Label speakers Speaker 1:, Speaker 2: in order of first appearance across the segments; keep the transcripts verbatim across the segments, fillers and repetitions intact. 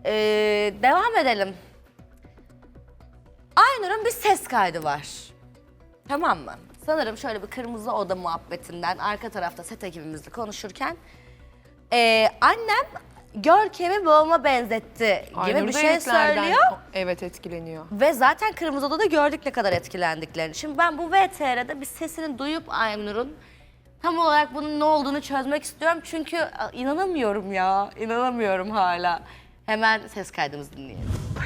Speaker 1: Ee, devam edelim. Aynur'un bir ses kaydı var. Tamam mı? Sanırım şöyle bir kırmızı oda muhabbetinden arka tarafta set ekibimizle konuşurken ee, annem Görkem'i babama benzetti gibi
Speaker 2: Aynur
Speaker 1: bir
Speaker 2: da
Speaker 1: şey
Speaker 2: etlerden-
Speaker 1: söylüyor.
Speaker 2: Evet, etkileniyor.
Speaker 1: Ve zaten kırmızı odada gördük ne kadar etkilendiklerini. Şimdi ben bu V T R'de bir sesini duyup Aynur'un tam olarak bunun ne olduğunu çözmek istiyorum. Çünkü a, inanamıyorum ya, inanamıyorum hala. Hemen ses kaydımızı dinleyelim.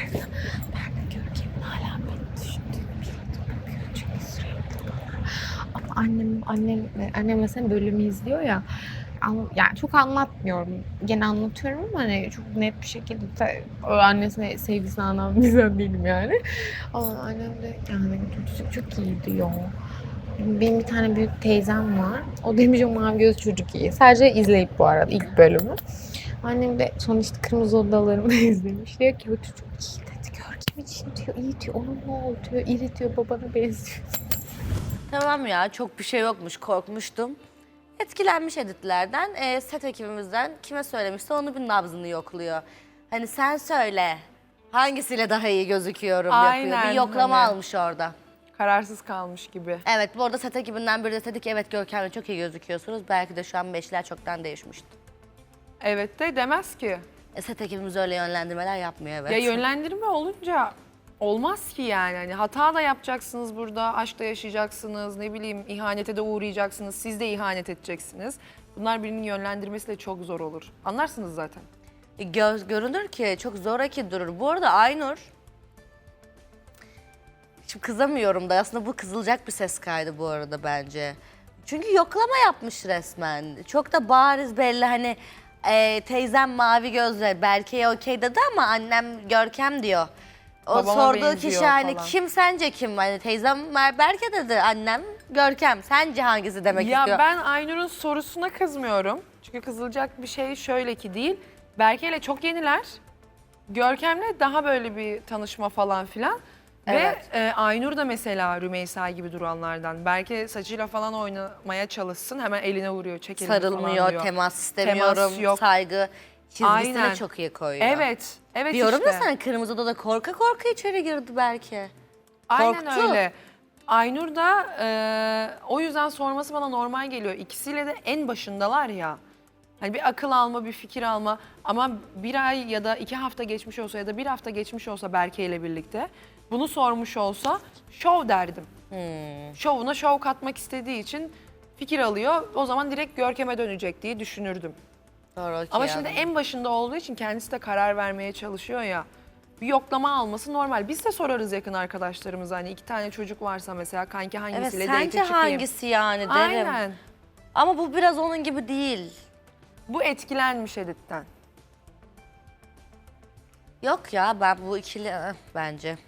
Speaker 3: Ama annem, annem, annem mesela bölümü izliyor ya. Ama yani çok anlatmıyorum. Gene anlatıyorum ama hani çok net bir şekilde de o annesine sevgisini anlatan bir insan değilim yani. Ama annem de yani çocuk çok iyi diyor. Benim bir tane büyük teyzem var. O demiş o mavi göz çocuk iyi. Sadece izleyip bu arada ilk bölümü. Annem de sonuçta Kırmızı Odalarımı izlemiş. Diyor ki o çocuk iyi dedi. Görkem için diyor. İyi diyor. Onun ne oldu diyor. İri diyor. Babana benziyor.
Speaker 1: Tamam ya, çok bir şey yokmuş, korkmuştum. Etkilenmiş editlerden, e, set ekibimizden kime söylemişse onu bir nabzını yokluyor. Hani sen söyle, hangisiyle daha iyi gözüküyorum yapıyor.
Speaker 2: Aynen,
Speaker 1: Bir yoklama
Speaker 2: hani.
Speaker 1: almış orada.
Speaker 2: Kararsız kalmış gibi.
Speaker 1: Evet, bu arada set ekibinden biri de dedi ki evet Görkem'le çok iyi gözüküyorsunuz. Belki de şu an beşler çoktan değişmişti.
Speaker 2: Evet de demez ki.
Speaker 1: E, set ekibimiz öyle yönlendirmeler yapmıyor evet.
Speaker 2: Ya yönlendirme olunca olmaz ki yani. Hani hata da yapacaksınız burada, aşk da yaşayacaksınız, ne bileyim ihanete de uğrayacaksınız, siz de ihanet edeceksiniz. Bunlar birinin yönlendirmesi de çok zor olur. Anlarsınız zaten.
Speaker 1: E, Göz, görünür ki çok zoraki durur. Bu arada Aynur, şimdi kızamıyorum da aslında bu kızılacak bir ses kaydı bu arada bence. Çünkü yoklama yapmış resmen. Çok da bariz belli hani e, teyzem mavi gözle Berke'ye okey dedi ama annem Görkem diyor. O
Speaker 2: Babama
Speaker 1: sorduğu
Speaker 2: benziyor
Speaker 1: kişi hani
Speaker 2: falan.
Speaker 1: kim sence kim? Hani teyzem Berke dedi, annem Görkem. Sence hangisi demek
Speaker 2: Ya
Speaker 1: istiyor?
Speaker 2: ben Aynur'un sorusuna kızmıyorum. Çünkü kızılacak bir şey şöyle ki değil. Berke ile çok yeniler. Görkem'le daha böyle bir tanışma falan filan.
Speaker 1: Evet.
Speaker 2: Ve e, Aynur da mesela Rümeysa gibi duranlardan. Berke saçıyla falan oynamaya çalışsın. Hemen eline vuruyor, çek elini falan
Speaker 1: Sarılmıyor,
Speaker 2: diyor.
Speaker 1: temas istemiyorum,
Speaker 2: Temas yok.
Speaker 1: saygı çizgisini
Speaker 2: Aynen.
Speaker 1: çok iyi koyuyor.
Speaker 2: Evet, evet
Speaker 1: Diyorum
Speaker 2: işte.
Speaker 1: ya sana, Kırmızı Oda'da korka korka içeri girdi belki.
Speaker 2: Aynen
Speaker 1: korktu.
Speaker 2: öyle. Aynur da e, o yüzden sorması bana normal geliyor. İkisiyle de en başındalar ya. Hani bir akıl alma, bir fikir alma ama bir ay ya da iki hafta geçmiş olsa ya da bir hafta geçmiş olsa Berke ile birlikte bunu sormuş olsa şov derdim.
Speaker 1: Hmm.
Speaker 2: Şovuna şov katmak istediği için fikir alıyor. O zaman direkt Görkem'e dönecek diye düşünürdüm.
Speaker 1: Doğru, okey
Speaker 2: Ama şimdi
Speaker 1: anladım.
Speaker 2: en başında olduğu için kendisi de karar vermeye çalışıyor ya. Bir yoklama alması normal. Biz de sorarız yakın arkadaşlarımıza hani iki tane çocuk varsa mesela kanki
Speaker 1: Evet,
Speaker 2: hangisiyle date
Speaker 1: sence
Speaker 2: çıkayım?
Speaker 1: hangisi yani derim.
Speaker 2: Aynen.
Speaker 1: Ama bu biraz onun gibi değil.
Speaker 2: Bu etkilenmiş editten.
Speaker 1: Yok ya, ben bu ikili eh, bence.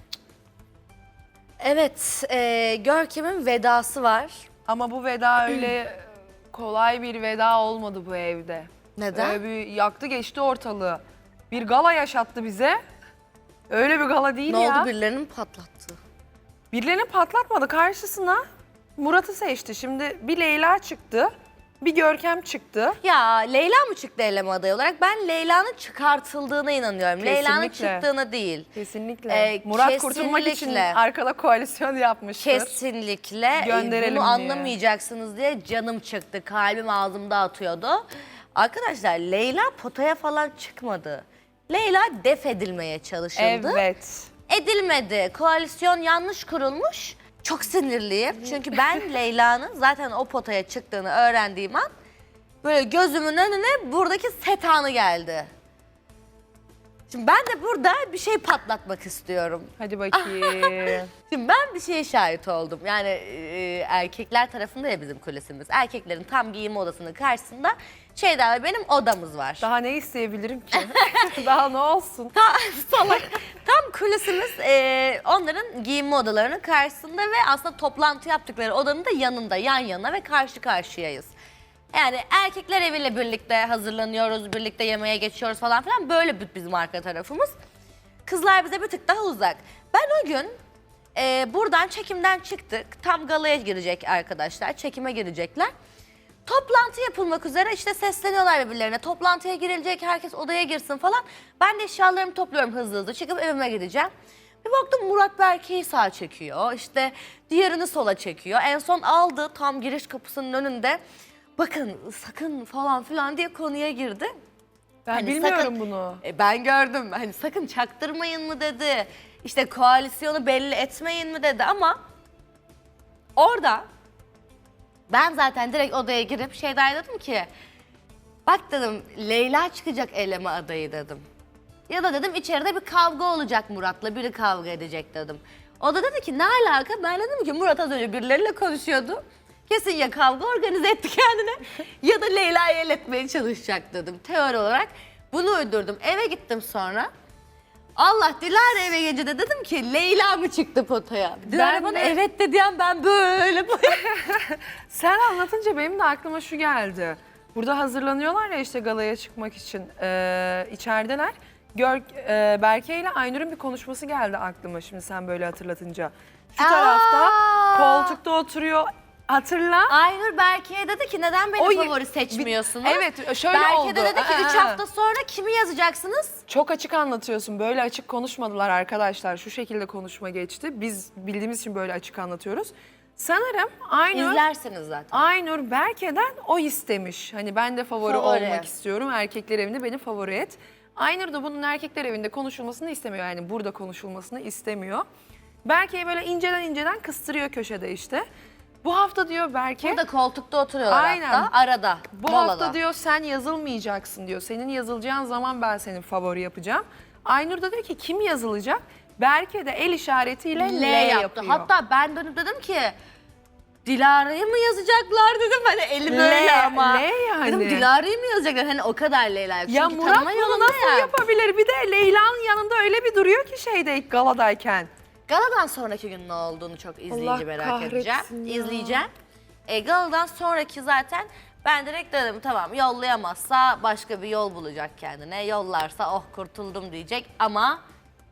Speaker 1: Evet, e, Görkem'in vedası var.
Speaker 2: Ama bu veda öyle kolay bir veda olmadı bu evde.
Speaker 1: Neden?
Speaker 2: Öyle bir yaktı geçti ortalığı. Bir gala yaşattı bize. Öyle bir gala değil
Speaker 1: Ne
Speaker 2: ya.
Speaker 1: oldu, birilerini mi patlattı?
Speaker 2: Birilerini patlatmadı, karşısına Murat'ı seçti. Şimdi bir Leyla çıktı, bir Görkem çıktı.
Speaker 1: Ya Leyla mı çıktı eleme adayı olarak? Ben Leyla'nın çıkartıldığına inanıyorum. Leyla'nın
Speaker 2: Kesinlikle.
Speaker 1: çıktığına değil.
Speaker 2: Kesinlikle.
Speaker 1: Ee,
Speaker 2: Murat kurtulmak için
Speaker 1: kesinlikle.
Speaker 2: arkada koalisyon yapmıştır.
Speaker 1: Kesinlikle. E,
Speaker 2: Gönderelim
Speaker 1: Bunu
Speaker 2: diye.
Speaker 1: anlamayacaksınız diye canım çıktı. Kalbim ağzımda atıyordu. Arkadaşlar Leyla potaya falan çıkmadı. Leyla def edilmeye çalışıldı.
Speaker 2: Evet.
Speaker 1: Edilmedi. Koalisyon yanlış kurulmuş. Çok sinirliyim. Çünkü ben Leyla'nın zaten o potaya çıktığını öğrendiğim an böyle gözümün önüne buradaki set anı geldi. Şimdi ben de burada bir şey patlatmak istiyorum.
Speaker 2: Hadi bakayım.
Speaker 1: Şimdi ben bir şeye şahit oldum. Yani e, erkekler tarafında ya bizim kulisimiz. Erkeklerin tam giyinme odasının karşısında Şeyda ve benim odamız var.
Speaker 2: Daha ne isteyebilirim ki? Daha ne olsun?
Speaker 1: Ta, salak. Tam kulisimiz e, onların giyinme odalarının karşısında ve aslında toplantı yaptıkları odanın da yanında, yan yana ve karşı karşıyayız. Yani erkekler eviyle birlikte hazırlanıyoruz, birlikte yemeğe geçiyoruz falan filan. Böyle bizim arka tarafımız. Kızlar bize bir tık daha uzak. Ben o gün e, buradan çekimden çıktık. Tam galaya girecek arkadaşlar, çekime girecekler. Toplantı yapılmak üzere işte sesleniyorlar birbirlerine. Toplantıya girilecek, herkes odaya girsin falan. Ben de eşyalarımı topluyorum hızlı hızlı. Çıkıp evime gideceğim. Bir baktım Murat Berke'yi sağa çekiyor. İşte diğerini sola çekiyor. En son aldı tam giriş kapısının önünde. Bakın sakın falan filan diye konuya girdi.
Speaker 2: Ben
Speaker 1: Hani
Speaker 2: bilmiyorum
Speaker 1: sakın-
Speaker 2: bunu.
Speaker 1: E, ben gördüm. Hani sakın çaktırmayın mı dedi. İşte koalisyonu belli etmeyin mi dedi ama orada ben zaten direkt odaya girip Şeyda'ya dedim ki bak dedim Leyla çıkacak eleme adayı dedim. Ya da dedim içeride bir kavga olacak Murat'la biri kavga edecek dedim. O da dedi ki ne alaka? Ben dedim ki Murat az önce birileriyle konuşuyordu. Kesin ya kavga organize etti kendine ya da Leyla'yı el etmeye çalışacak dedim teori olarak. Bunu uydurdum. Eve gittim sonra. Allah Dilara eve gelince de dedim ki Leyla mı çıktı potaya? Dilara
Speaker 2: Ben
Speaker 1: bana
Speaker 2: de-
Speaker 1: evet dedi an ben böyle böyle.
Speaker 2: Sen anlatınca benim de aklıma şu geldi. Burada hazırlanıyorlar ya işte galaya çıkmak için ee, içerideler. Gör, e, Berke ile Aynur'un bir konuşması geldi aklıma şimdi sen böyle hatırlatınca. Şu
Speaker 1: Aa!
Speaker 2: tarafta koltukta oturuyor. Hatırla.
Speaker 1: Aynur Berke'ye dedi ki neden beni
Speaker 2: O-
Speaker 1: favori seçmiyorsunuz?
Speaker 2: Evet şöyle
Speaker 1: Berke
Speaker 2: oldu.
Speaker 1: de dedi ki üç
Speaker 2: Aa,
Speaker 1: hafta sonra kimi yazacaksınız?
Speaker 2: Çok açık anlatıyorsun. Böyle açık konuşmadılar arkadaşlar. Şu şekilde konuşma geçti. Biz bildiğimiz için böyle açık anlatıyoruz. Sanırım Aynur,
Speaker 1: İzlersiniz zaten.
Speaker 2: Aynur Berke'den o istemiş. Hani ben de favori,
Speaker 1: Favori.
Speaker 2: olmak istiyorum. Erkekler evinde beni favori et. Aynur da bunun erkekler evinde konuşulmasını istemiyor. Yani burada konuşulmasını istemiyor. Berke'yi böyle inceden inceden kıstırıyor köşede işte. Bu hafta diyor Berke...
Speaker 1: Burada koltukta oturuyorlar
Speaker 2: Aynen.
Speaker 1: hatta arada.
Speaker 2: Bu
Speaker 1: molada.
Speaker 2: hafta diyor sen yazılmayacaksın diyor. Senin yazılacağın zaman ben senin favori yapacağım. Aynur da diyor ki kim yazılacak? Berke de el işaretiyle L,
Speaker 1: L yaptı.
Speaker 2: yapıyor.
Speaker 1: Hatta ben dönüp dedim ki Dilara'yı mı yazacaklar dedim. Hani elim
Speaker 2: L,
Speaker 1: öyle ama.
Speaker 2: L yani.
Speaker 1: Dedim Dilara'yı mı yazacaklar? Hani o kadar Leyla. Çünkü
Speaker 2: ya Murat
Speaker 1: tanıma
Speaker 2: bunu
Speaker 1: yolunda
Speaker 2: nasıl
Speaker 1: ya.
Speaker 2: yapabilir? Bir de Leyla'nın yanında öyle bir duruyor ki şeyde galadayken.
Speaker 1: Galadan sonraki gün ne olduğunu çok izleyince
Speaker 2: Allah
Speaker 1: merak
Speaker 2: kahretsin
Speaker 1: edeceğim.
Speaker 2: ya.
Speaker 1: İzleyeceğim. E, Galadan sonraki zaten ben direkt dedim tamam yollayamazsa başka bir yol bulacak kendine. Yollarsa oh kurtuldum diyecek ama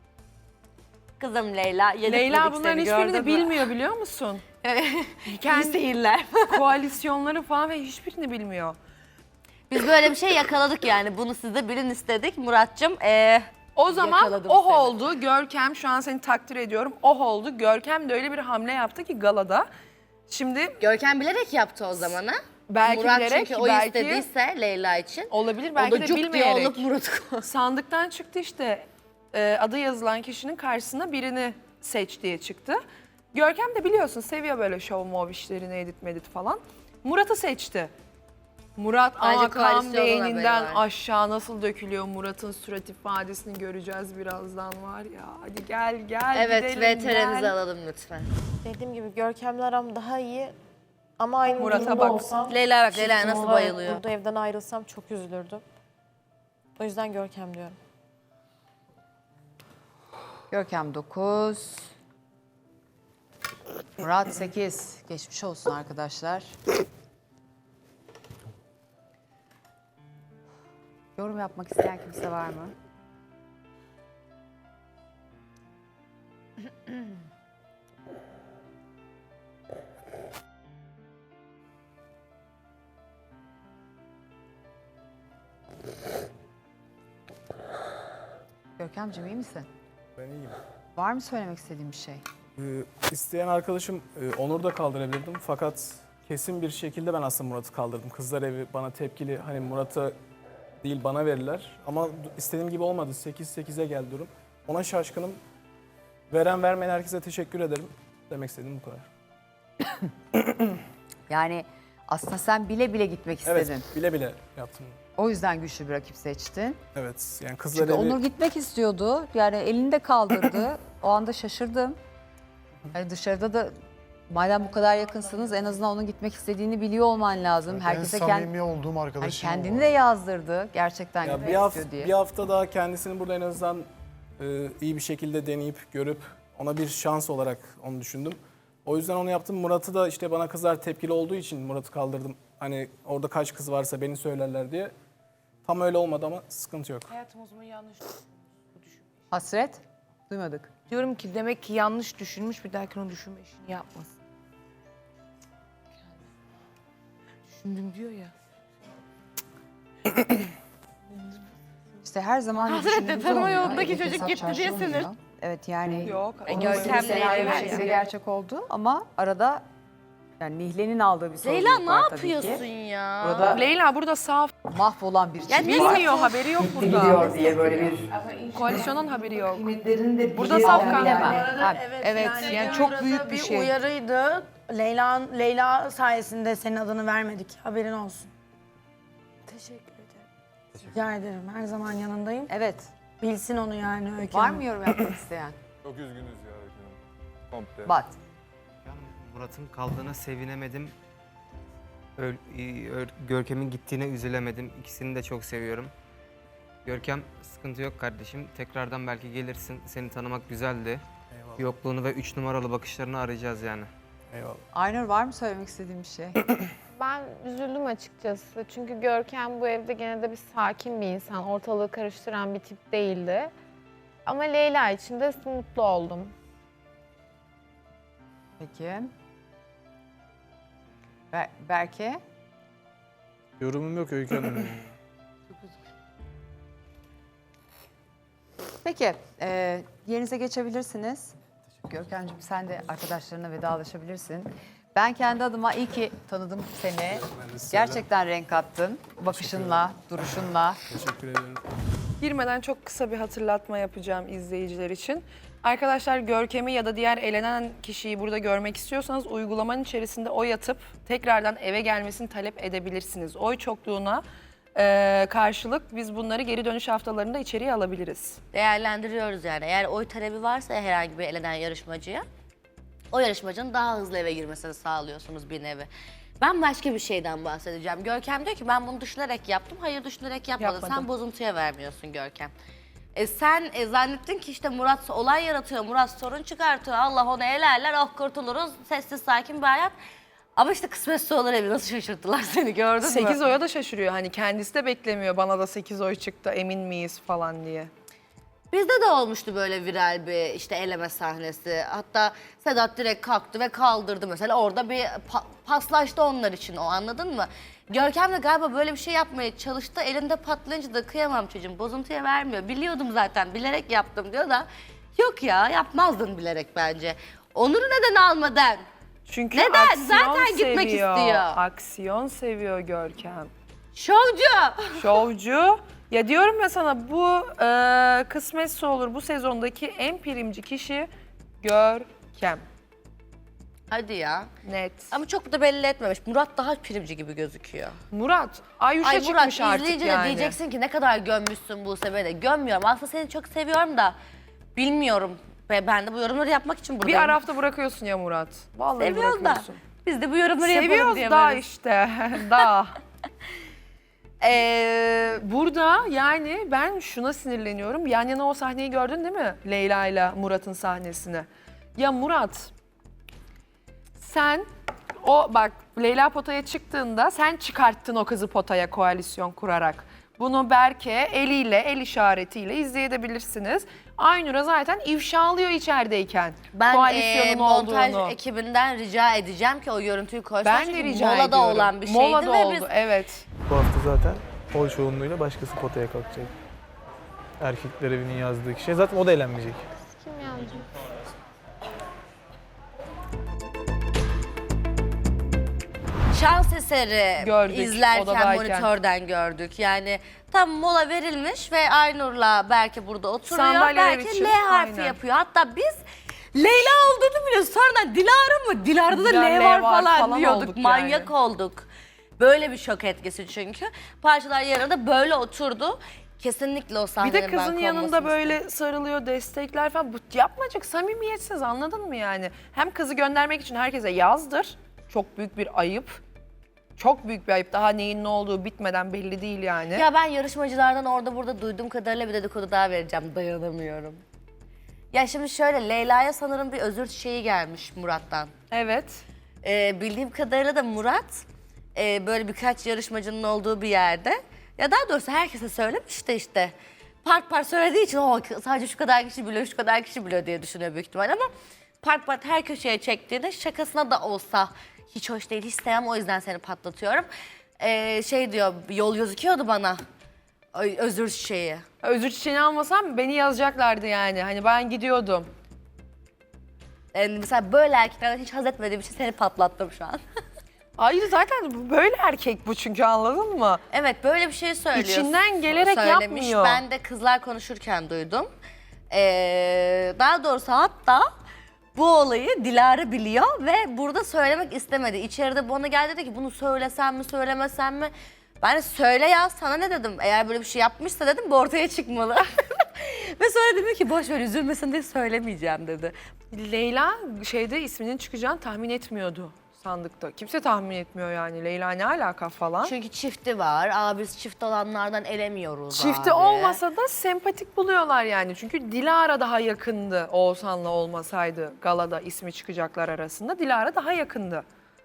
Speaker 1: kızım Leyla yedik
Speaker 2: Leyla
Speaker 1: bulduk
Speaker 2: bunların
Speaker 1: seni,
Speaker 2: hiçbirini
Speaker 1: gördün mü?
Speaker 2: bilmiyor biliyor musun?
Speaker 1: İyi
Speaker 2: Kendi
Speaker 1: seyirler.
Speaker 2: koalisyonları falan ve hiçbirini bilmiyor.
Speaker 1: Biz böyle bir şey yakaladık yani. Bunu siz de bilin istedik. Murat'cığım ee,
Speaker 2: O zaman
Speaker 1: yakaladım
Speaker 2: oh
Speaker 1: seni.
Speaker 2: oldu. Görkem şu an seni takdir ediyorum. Oh oldu. Görkem de öyle bir hamle yaptı ki galada. Şimdi
Speaker 1: Görkem bilerek yaptı o zaman ha?
Speaker 2: belki
Speaker 1: Murat
Speaker 2: bilerek,
Speaker 1: çünkü o
Speaker 2: belki
Speaker 1: istediyse Leyla için.
Speaker 2: olabilir
Speaker 1: O
Speaker 2: belki
Speaker 1: da
Speaker 2: de
Speaker 1: cuk diye
Speaker 2: bilmeyerek.
Speaker 1: olup Murat'ı koydu.
Speaker 2: Sandıktan çıktı işte e, adı yazılan kişinin karşısına birini seç diye çıktı. Görkem de biliyorsun seviyor böyle show mov işlerini edit medit falan. Murat'ı seçti. Murat
Speaker 1: Bence
Speaker 2: ama kan
Speaker 1: koalisyonun
Speaker 2: beyninden
Speaker 1: haberi var.
Speaker 2: aşağı nasıl dökülüyor Murat'ın surat ifadesini göreceğiz birazdan var ya. Hadi gel gel
Speaker 1: Evet
Speaker 2: gidelim
Speaker 1: V T R'nizi
Speaker 2: gel.
Speaker 1: alalım lütfen.
Speaker 4: Dediğim gibi Görkem'le aram daha iyi ama aynı
Speaker 2: Murat'a
Speaker 4: durumda
Speaker 2: bak.
Speaker 4: olsam...
Speaker 1: Leyla bak Leyla
Speaker 4: çift
Speaker 1: nasıl
Speaker 4: olarak
Speaker 1: bayılıyor.
Speaker 4: Burada evden ayrılsam çok üzülürdüm. O yüzden Görkem diyorum.
Speaker 5: Görkem dokuz. Murat sekiz. Geçmiş olsun arkadaşlar. Yorum yapmak isteyen kimse var mı? Görkemciğim iyi misin?
Speaker 6: Ben iyiyim.
Speaker 5: Var mı söylemek istediğin bir şey?
Speaker 6: Ee, isteyen arkadaşım e, Onur'u da kaldırabilirdim fakat kesin bir şekilde ben aslında Murat'ı kaldırdım. Kızlar evi bana tepkili, hani Murat'a değil bana verirler. Ama istediğim gibi olmadı. sekiz sekize geldi durum. Ona şaşkınım. Veren vermeyen herkese teşekkür ederim. Demek istediğim bu kadar.
Speaker 5: Yani aslında sen bile bile gitmek istedin.
Speaker 6: Evet, bile bile yaptım.
Speaker 5: O yüzden güçlü bir rakip seçtin.
Speaker 6: Evet, yani kızlar
Speaker 5: Çünkü
Speaker 6: evi...
Speaker 5: Onur gitmek istiyordu. Yani elini de kaldırdı. O anda şaşırdım. Hani dışarıda da madem bu kadar yakınsınız en azından onun gitmek istediğini biliyor olman lazım. Herkese
Speaker 7: en
Speaker 5: kend-
Speaker 7: samimi olduğum
Speaker 5: hani
Speaker 7: arkadaşım.
Speaker 5: kendini de yazdırdı. Gerçekten
Speaker 6: Ya
Speaker 5: gitmek
Speaker 6: bir, hafta,
Speaker 5: istiyor diye.
Speaker 6: bir hafta daha kendisini burada en azından e, iyi bir şekilde deneyip görüp ona bir şans olarak onu düşündüm. O yüzden onu yaptım. Murat'ı da işte bana kızlar tepkili olduğu için Murat'ı kaldırdım. Hani orada kaç kız varsa beni söylerler diye. Tam öyle olmadı ama sıkıntı yok.
Speaker 8: Hayatım o zaman yanlış
Speaker 5: Hasret? Duymadık.
Speaker 8: diyorum ki demek ki yanlış düşünmüş bir dahaki onu düşünme işini yapmasın. diyor ya.
Speaker 5: İşte her zaman
Speaker 1: Hazreti
Speaker 5: düşündüğümüz
Speaker 1: tanıma
Speaker 5: olmuyor.
Speaker 1: yolundaki
Speaker 5: Elbette
Speaker 1: çocuk
Speaker 5: sap
Speaker 1: gitti
Speaker 5: çarşı
Speaker 1: diye
Speaker 5: olmuyor.
Speaker 1: sinir.
Speaker 5: Evet yani
Speaker 2: Yok.
Speaker 5: onun
Speaker 1: Görkem'le
Speaker 5: senaryo
Speaker 1: Leyla
Speaker 5: bir şekilde
Speaker 1: ya.
Speaker 5: gerçek oldu ama arada yani Nihle'nin aldığı bir sorumluluk
Speaker 1: Leyla ne
Speaker 5: var tabii ki.
Speaker 1: yapıyorsun ya?
Speaker 5: Burada
Speaker 2: Leyla burada saf.
Speaker 5: mahvolan bir
Speaker 1: Ya
Speaker 5: çift
Speaker 1: ne
Speaker 5: var.
Speaker 2: Bilmiyor, haberi yok burada.
Speaker 5: Gidiyor diye böyle bir
Speaker 2: Koalisyonun haberi yok.
Speaker 5: Burada
Speaker 2: Burada safkan
Speaker 5: bilemem.
Speaker 2: var.
Speaker 5: Ha, evet yani, çok büyük bir şey.
Speaker 7: Uyarıydı. Leyla Leyla sayesinde senin adını vermedik. Haberin olsun. Teşekkür ederim. Rica ederim. Her zaman yanındayım.
Speaker 5: Evet.
Speaker 7: Bilsin onu yani Öykü
Speaker 5: Var
Speaker 7: Hanım.
Speaker 5: mı yorum yapmak isteyen?
Speaker 9: Çok üzgünüz ya Öykü Hanım. Komple.
Speaker 5: Bat.
Speaker 10: Murat'ın kaldığına sevinemedim. Öl- i- Ö- Görkem'in gittiğine üzülemedim. İkisini de çok seviyorum. Görkem sıkıntı yok kardeşim. Tekrardan belki gelirsin. Seni tanımak güzeldi.
Speaker 6: Eyvallah.
Speaker 10: Yokluğunu ve üç numaralı bakışlarını arayacağız yani.
Speaker 6: Eyvallah.
Speaker 5: Aynur var mı söylemek istediğin bir şey?
Speaker 3: Ben üzüldüm açıkçası. Çünkü Görkem bu evde gene de bir sakin bir insan. Ortalığı karıştıran bir tip değildi. Ama Leyla için de mutlu oldum.
Speaker 5: Peki. Ber Berke?
Speaker 6: Yorumum yok Öykü Hanım.
Speaker 5: Peki, e, yerinize geçebilirsiniz. Görkemciğim sen de arkadaşlarına vedalaşabilirsin. Ben kendi adıma iyi ki tanıdım seni. Gerçekten renk kattın. Bakışınla, duruşunla.
Speaker 6: Teşekkür ederim.
Speaker 2: Girmeden çok kısa bir hatırlatma yapacağım izleyiciler için. Arkadaşlar Görkem'i ya da diğer elenen kişiyi burada görmek istiyorsanız uygulamanın içerisinde oy atıp tekrardan eve gelmesini talep edebilirsiniz. Oy çokluğuna e, karşılık biz bunları geri dönüş haftalarında içeriye alabiliriz.
Speaker 1: Değerlendiriyoruz yani. Eğer oy talebi varsa herhangi bir elenen yarışmacıya, o yarışmacının daha hızlı eve girmesini sağlıyorsunuz bir nevi. Ben başka bir şeyden bahsedeceğim. Görkem diyor ki ben bunu düşünerek yaptım. Hayır düşünerek yapmadın.
Speaker 2: Yapmadım.
Speaker 1: Sen bozuntuya vermiyorsun Görkem. E sen e, zannettin ki işte Murat olay yaratıyor, Murat sorun çıkartıyor. Allah onu elerler, oh kurtuluruz, sessiz sakin bir hayat. Ama işte kısmetse olur evi nasıl şaşırttılar seni gördün mü?
Speaker 2: sekiz oya da şaşırıyor. Hani kendisi de beklemiyor bana da sekiz oy çıktı emin miyiz falan diye.
Speaker 1: Bizde de olmuştu böyle viral bir işte eleme sahnesi. Hatta Sedat direkt kalktı ve kaldırdı mesela. Orada bir pa- paslaştı onlar için o, anladın mı? Görkem de galiba böyle bir şey yapmaya çalıştı. Elinde patlayınca da kıyamam çocuğum, bozuntuya vermiyor. Biliyordum zaten, bilerek yaptım diyor da. Yok ya, yapmazdın bilerek bence. Onur'u neden almadın?
Speaker 2: Çünkü
Speaker 1: Neden?
Speaker 2: aksiyon
Speaker 1: Zaten gitmek
Speaker 2: seviyor.
Speaker 1: istiyor.
Speaker 2: Aksiyon seviyor Görkem.
Speaker 1: Şovcu!
Speaker 2: Şovcu. Ya diyorum ya sana bu e, kısmetse olur bu sezondaki en primci kişi Görkem.
Speaker 1: Hadi ya.
Speaker 2: Net.
Speaker 1: Ama çok da belli etmemiş. Murat daha primci gibi gözüküyor.
Speaker 2: Murat, Ayuş'a
Speaker 1: Ay Murat
Speaker 2: çıkmış artık
Speaker 1: izleyince
Speaker 2: yani.
Speaker 1: de diyeceksin ki ne kadar gömmüşsün bu de. Gömmüyorum. Aslında seni çok seviyorum da bilmiyorum. Ve ben de bu yorumları yapmak için
Speaker 2: Bir
Speaker 1: buradayım.
Speaker 2: arafta bırakıyorsun ya Murat. Vallahi
Speaker 1: Seviyoruz da.
Speaker 2: bırakıyorsun.
Speaker 1: Biz de bu yorumları yapalım
Speaker 2: Seviyoruz
Speaker 1: diye
Speaker 2: da
Speaker 1: böyle.
Speaker 2: işte. da.
Speaker 1: Ee,
Speaker 2: Burada yani ben şuna sinirleniyorum. Yan yana o sahneyi gördün değil mi? Leyla ile Murat'ın sahnesini. Ya Murat, sen o bak Leyla potaya çıktığında sen çıkarttın o kızı potaya koalisyon kurarak. Bunu Berke eliyle, el işaretiyle izleyebilirsiniz. Aynur'a zaten ifşalıyor içerideyken
Speaker 1: ben
Speaker 2: koalisyonun
Speaker 1: e, montaj
Speaker 2: olduğunu.
Speaker 1: ekibinden rica edeceğim ki o görüntüyü koysun.
Speaker 2: Ben
Speaker 1: Çünkü
Speaker 2: de rica
Speaker 1: molada
Speaker 2: ediyorum.
Speaker 1: olan bir şeydi
Speaker 2: Molada
Speaker 1: ve
Speaker 2: oldu,
Speaker 1: biz
Speaker 2: evet.
Speaker 6: Bu hafta zaten oy çoğunluğuyla başkası potaya kalkacak. Erkekler evinin yazdığı kişi. Zaten o da eğlenmeyecek.
Speaker 3: Kim yazdı?
Speaker 1: şans eseri
Speaker 2: Gördük,
Speaker 1: izlerken
Speaker 2: odadayken.
Speaker 1: monitörden gördük. Yani tam mola verilmiş ve Aynur'la Berke burada oturuyor.
Speaker 2: Sandalyeler
Speaker 1: Berke
Speaker 2: için,
Speaker 1: L harfi
Speaker 2: aynen.
Speaker 1: yapıyor. Hatta biz Leyla olduğunu biliyoruz. Sonradan Dilara mı? Dilara'da da
Speaker 2: Dilara
Speaker 1: L
Speaker 2: L
Speaker 1: var
Speaker 2: var
Speaker 1: falan,
Speaker 2: falan
Speaker 1: diyorduk.
Speaker 2: olduk
Speaker 1: Manyak
Speaker 2: yani.
Speaker 1: olduk. Böyle bir şok etkisi çünkü. Parçalar yarıda böyle oturdu. Kesinlikle o
Speaker 2: Bir
Speaker 1: sahnenin
Speaker 2: de kızın
Speaker 1: ben
Speaker 2: yanında
Speaker 1: konmasını
Speaker 2: böyle
Speaker 1: istedim.
Speaker 2: sarılıyor, destekler falan. Bu yapmacık, samimiyetsiz, anladın mı yani? Hem kızı göndermek için herkese yazdır. Çok büyük bir ayıp. Çok büyük bir ayıp. Daha neyin ne olduğu bitmeden belli değil yani.
Speaker 1: Ya ben yarışmacılardan orada burada duyduğum kadarıyla bir dedikodu daha vereceğim. Dayanamıyorum. Ya şimdi şöyle, Leyla'ya sanırım bir özür şeyi gelmiş Murat'tan.
Speaker 2: Evet.
Speaker 1: Ee, bildiğim kadarıyla da Murat e, böyle birkaç yarışmacının olduğu bir yerde, ya daha doğrusu herkese söylemiş de işte part part söylediği için o sadece şu kadar kişi biliyor, şu kadar kişi biliyor diye düşünüyor büyük ihtimal, ama part part her köşeye çektiğinde şakasına da olsa Hiç hoş değil, hiç sevmem, o yüzden seni patlatıyorum. Ee, şey diyor, yol gözüküyordu bana. Ay, özür çiçeği.
Speaker 2: Özür çiçeğini almasam beni yazacaklardı yani. Hani ben gidiyordum.
Speaker 1: Yani mesela böyle erkeklerden hiç haz etmediğim için seni patlattım şu an.
Speaker 2: Hayır zaten böyle erkek bu çünkü, anladın mı?
Speaker 1: Evet, böyle bir şey söylüyor.
Speaker 2: İçinden gelerek
Speaker 1: Söylemiş.
Speaker 2: yapmıyor.
Speaker 1: Ben de kızlar konuşurken duydum. Ee, daha doğrusu hatta bu olayı Dilara biliyor ve burada söylemek istemedi. İçeride bana geldi dedi ki bunu söylesem mi söylemesem mi? Ben de söyle ya, sana ne dedim? Eğer böyle bir şey yapmışsa dedim bu ortaya çıkmalı. Ve sonra dedim ki boş ver, üzülmesin diye söylemeyeceğim dedi.
Speaker 2: Leyla şeyde isminin çıkacağını tahmin etmiyordu sandıkta. Kimse tahmin etmiyor yani. Leyla ne alaka falan.
Speaker 1: Çünkü çifti var. Aa, biz çift olanlardan elemiyoruz
Speaker 2: Çifti
Speaker 1: abi.
Speaker 2: olmasa da sempatik buluyorlar yani. Çünkü Dilara daha yakındı Oğuzhan'la olmasaydı galada ismi çıkacaklar arasında. Dilara daha yakındı.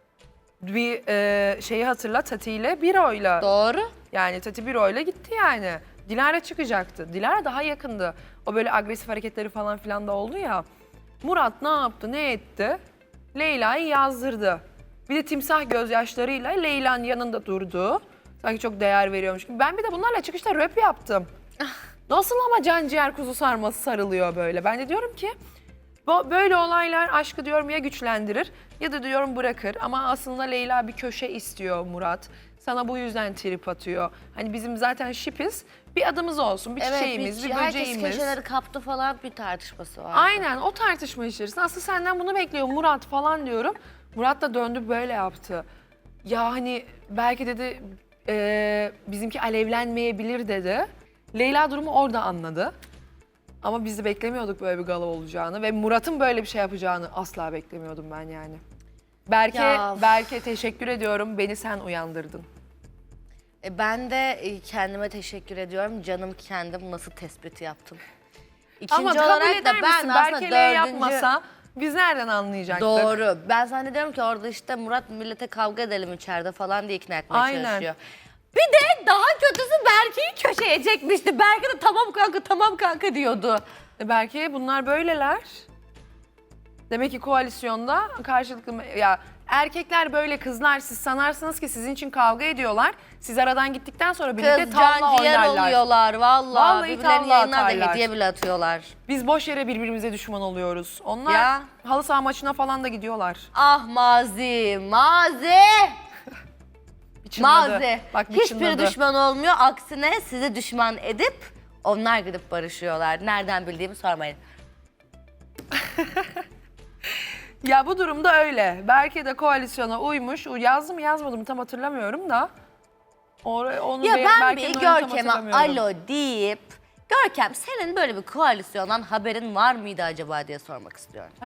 Speaker 2: Bir e, şeyi hatırla, Tati ile Biro'yla.
Speaker 1: Doğru.
Speaker 2: Yani Tati Biro'yla gitti yani. Dilara çıkacaktı. Dilara daha yakındı. O böyle agresif hareketleri falan filan da oldu ya. Murat ne yaptı, ne etti? Leyla'yı yazdırdı. Bir de timsah gözyaşlarıyla Leyla'nın yanında durdu. Sanki çok değer veriyormuş gibi. Ben bir de bunlarla çıkışta röp yaptım. Nasıl ama can ciğer kuzu sarması sarılıyor böyle. Ben de diyorum ki bu- böyle olaylar aşkı diyorum ya güçlendirir ya da diyorum bırakır. Ama aslında Leyla bir köşe istiyor Murat. Sana bu yüzden trip atıyor. Hani bizim zaten şipiz. Bir adımız olsun, bir çiçeğimiz, bir,
Speaker 1: bir herkes
Speaker 2: böceğimiz.
Speaker 1: köşeleri kaptı falan, bir tartışması var.
Speaker 2: Aynen o tartışma içerisinde. Aslında senden bunu bekliyor Murat falan diyorum. Murat da döndü böyle yaptı. Ya hani belki dedi eee, bizimki alevlenmeyebilir dedi. Leyla durumu orada anladı. Ama biz de beklemiyorduk böyle bir gala olacağını ve Murat'ın böyle bir şey yapacağını asla beklemiyordum ben yani. Berke,
Speaker 1: Ya.
Speaker 2: Berke teşekkür ediyorum. Beni sen uyandırdın.
Speaker 1: E, ben de e, kendime teşekkür ediyorum. Canım kendim nasıl tespiti yaptım. İkinci
Speaker 2: Ama kabul
Speaker 1: olarak
Speaker 2: eder
Speaker 1: da ben
Speaker 2: misin?
Speaker 1: aslında
Speaker 2: Berke L
Speaker 1: dördüncü...
Speaker 2: yapmasa biz nereden anlayacaktık?
Speaker 1: Doğru. Ben zannediyorum ki orada işte Murat millete kavga edelim içeride falan diye ikna etmeye
Speaker 2: Aynen.
Speaker 1: çalışıyor. Bir de daha kötüsü Berke'yi köşeye çekmişti. Berke de tamam kanka tamam kanka diyordu.
Speaker 2: E belki bunlar böyleler. Demek ki koalisyonda karşılıklı ya erkekler böyle, kızlar siz sanarsınız ki sizin için kavga ediyorlar. Siz aradan gittikten sonra birlikte
Speaker 1: Kız
Speaker 2: tavla
Speaker 1: canciğer
Speaker 2: oynarlar.
Speaker 1: oluyorlar vallahi.
Speaker 2: Vallahi
Speaker 1: Birbirlerinin
Speaker 2: tavla
Speaker 1: yayınlarda
Speaker 2: atarlar.
Speaker 1: hediye bile atıyorlar.
Speaker 2: Biz boş yere birbirimize düşman oluyoruz. Onlar
Speaker 1: Ya.
Speaker 2: halı saha maçına falan da gidiyorlar.
Speaker 1: Ah mazi, mazi.
Speaker 2: Bir çınladı.
Speaker 1: Mazi.
Speaker 2: Bak bir
Speaker 1: Hiçbir
Speaker 2: çınladı.
Speaker 1: düşman olmuyor. Aksine sizi düşman edip onlar gidip barışıyorlar. Nereden bildiğimi sormayın.
Speaker 2: Ya bu durumda öyle. Berke de koalisyona uymuş. Yazdı mı yazmadı mı tam hatırlamıyorum da. Or- onu
Speaker 1: Ya
Speaker 2: be-
Speaker 1: ben
Speaker 2: Berke'nin
Speaker 1: bir
Speaker 2: oyunu tam
Speaker 1: Görkem'e
Speaker 2: hatırlamıyorum.
Speaker 1: alo deyip Görkem senin böyle bir koalisyondan haberin var mıydı acaba diye sormak istiyorum.